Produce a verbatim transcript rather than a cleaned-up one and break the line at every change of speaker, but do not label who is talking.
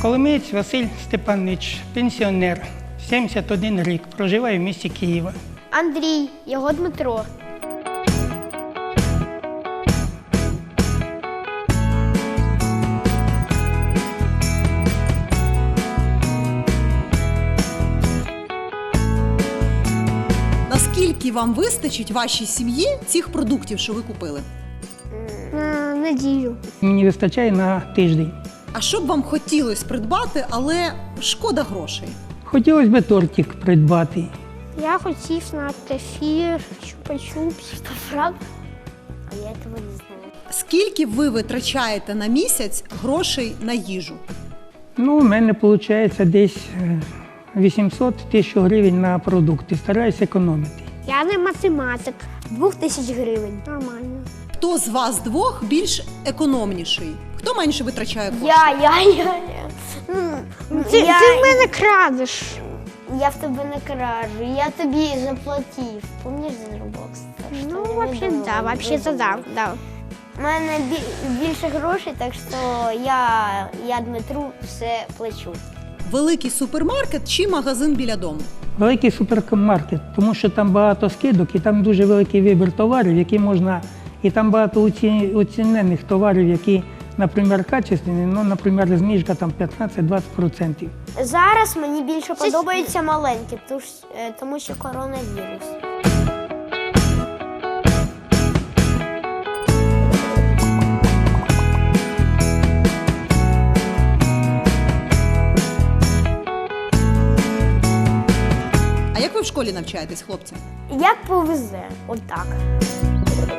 Коломієць Василь Степанович, пенсіонер, сімдесят один рік, проживає в місті Києва.
Андрій, його Дмитро.
Наскільки вам вистачить вашій сім'ї цих продуктів, що ви купили?
На неділю.
Мені вистачає на тиждень.
А що б вам хотілося придбати, але шкода грошей?
Хотілося б тортик придбати.
Я хотів на кефір, чупа-чупс. Що, правда? А я цього не знаю.
Скільки ви витрачаєте на місяць грошей на їжу?
Ну, у мене виходить десь е, вісімсот тисяч гривень на продукти. Стараюся економити.
Я не математик. Двох тисяч гривень. Нормально.
Хто з вас двох більш економніший? Хто менше витрачає коштів?
Я, я, я, я. Ну, ти,
Я-
ти в мене крадеш.
Я в тебе не кражу, я тобі заплатив. Помніш за Roblox? Так що
Ну,
не
вообще,
видумуй,
да, вообще, то да, да.
У мене бі- більше грошей, так що я, я Дмитру все плачу.
Великий супермаркет чи магазин біля дому?
Великий супермаркет, тому що там багато скидок і там дуже великий вибір товарів, які можна, і там багато оці- оцінених товарів, які, наприклад, качественні, ну, наприклад, знижка там п'ятнадцять-двадцять відсотків.
Зараз мені більше подобаються маленькі, тому що- е, тому що коронавірус.
А як ви в школі навчаєтесь, хлопці?
Як повезе, отак.